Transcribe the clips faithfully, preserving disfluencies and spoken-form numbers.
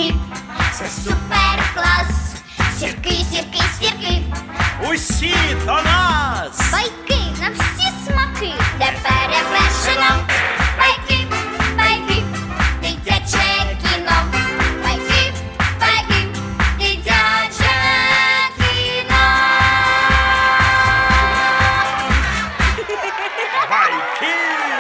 сірки, це супер клас. Сірки, сірки, сірки, Усі до нас! байки на всі смаки, де перевершено. Байки, байки, дитяче кіно. Байки, байки, дитяче кіно. Байки!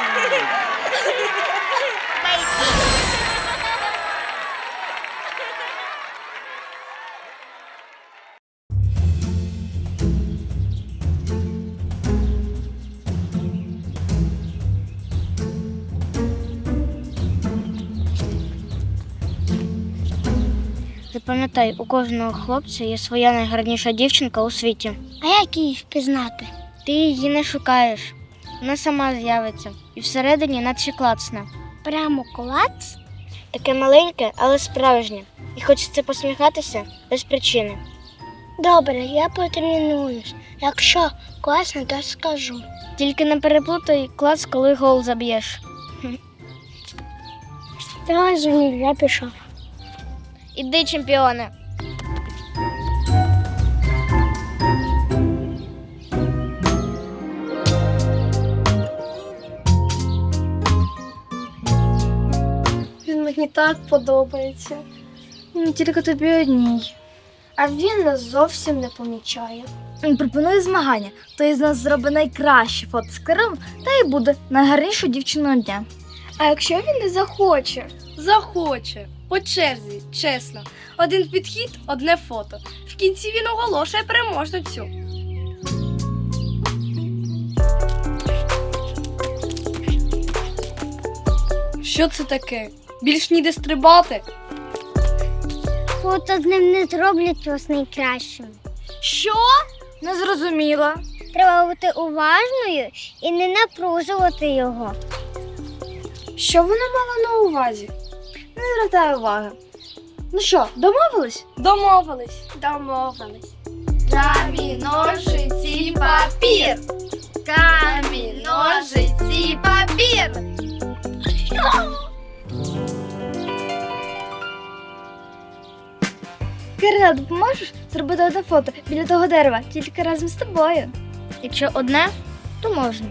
Запам'ятай, у кожного хлопця є своя найгарніша дівчинка у світі. А як її впізнати? Ти її не шукаєш. Вона сама з'явиться. І всередині наче клацне. Прямо клац? Таке маленьке, але справжнє. І хочеться посміхатися без причини. Добре, я потренуюсь. Якщо класно, то скажу. Тільки не переплутай клац, коли гол заб'єш. Давай, Зуні, я пішов. Іди, чемпіоне. Він мені так подобається. Ну, тільки тобі одній. А він нас зовсім не помічає. Він пропонує змагання. Той з нас зробить найкраще фото з Кирилом та й буде найгарнішою дівчиною дня. А якщо він не захоче? Захоче. По черзі, чесно. Один підхід, одне фото. В кінці він оголошує переможницю. Що це таке? Більш ніде стрибати? Фото з ним не зроблять вас найкращим. Що? Не зрозуміла. Треба бути уважною і не напружувати його. Що вона мала на увазі? Не звертаю уваги. Ну що, домовились? Домовились. Домовились. Камінь, ножиці, папір. Камінь, ножиці, папір. Кирило, допоможеш зробити одне фото біля того дерева, тільки разом з тобою? Якщо одне, то можна.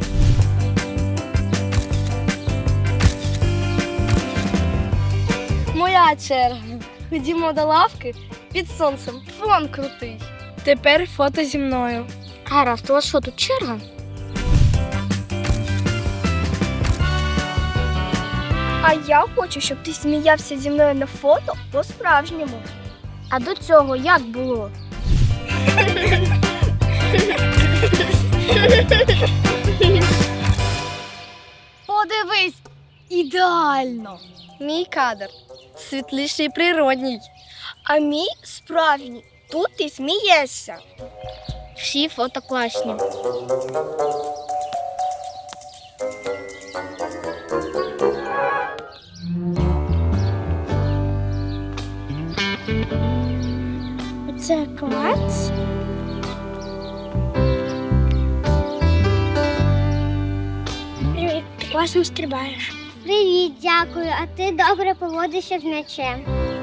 Моя черга. Ходімо до лавки під сонцем. Фон крутий. Тепер фото зі мною. Гаразд, у вас що, тут черга? А я хочу, щоб ти сміявся зі мною на фото по-справжньому. А до цього як було? Подивись! Ідеально! Мій кадр. Світліший і природній. А мій справжній. Тут ти смієшся. Всі фото класні. Це клац. Привіт, ти класно стрибаєш. Привіт, дякую. А ти добре поводишся з м'ячем.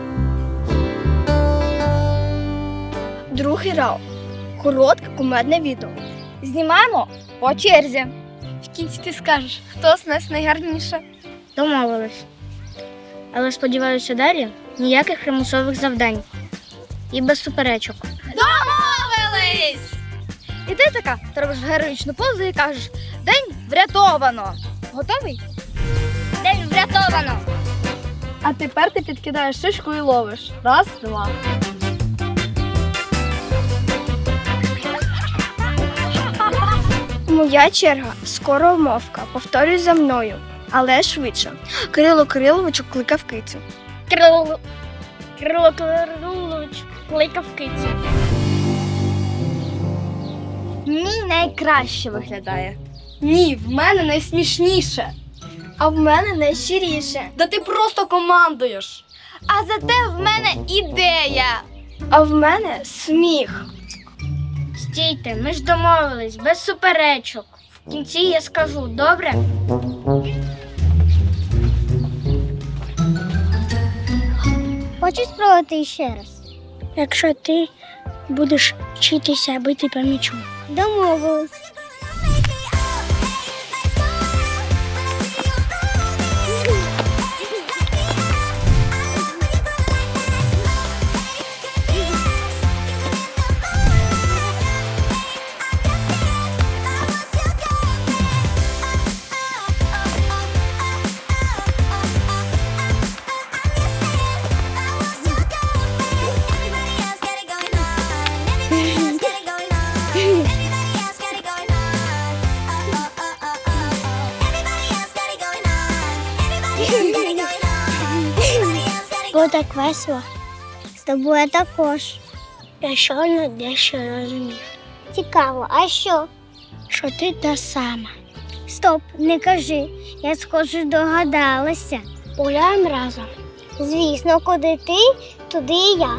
Другий раунд. Коротке кумедне відео. Знімаємо по черзі. В кінці ти скажеш, хто з нас найгарніше. Домовились. Але сподіваюся, далі ніяких примусових завдань. І без суперечок. Домовились! І ти така, ти робиш героїчну позу і кажеш: день врятовано. Готовий? День врятовано! А тепер ти підкидаєш шишку і ловиш. Раз, два. Моя черга. Скоро умовка. Повторюй за мною. Але швидше. Кирило Кириловичу кликав кицю. Кирило, Кирило Кирилович кликав кицю. Мій найкраще виглядає. Ні, в мене найсмішніше. А в мене найщиріше. Да ти просто командуєш. А зате в мене ідея. А в мене сміх. Стійте, ми ж домовились, без суперечок. В кінці я скажу, добре? Хочеш спробувати ще раз? Якщо ти будеш вчитися бити по м'ячу. Домовились. Було так весело. З тобою також. Я щойно дещо розумів, Цікаво, а що? що ти та сама. Стоп, не кажи. Я схоже догадалася. Гуляємо разом. Звісно, куди ти, туди і я.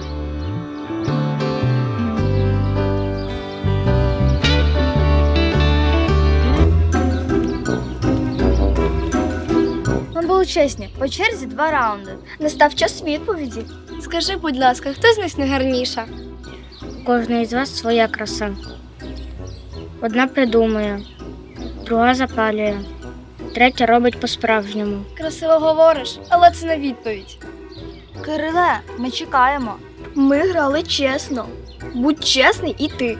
Ми були чесні, по черзі два раунди. Настав час відповіді. Скажи, будь ласка, хто з них найгарніша? У кожної з вас своя краса. Одна придумує, друга запалює, третя робить по-справжньому. Красиво говориш, але це не відповідь. Кириле, ми чекаємо. Ми грали чесно. Будь чесний і ти.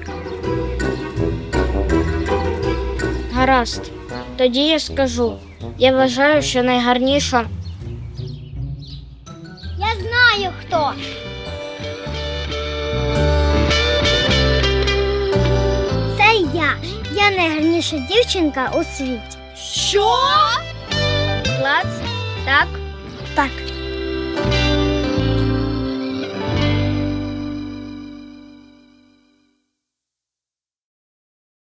Гаразд. Тоді я скажу. Я вважаю, що найгарніша Я знаю хто. Це я. Я найгарніша дівчинка у світі. Що? Клас? Так? так.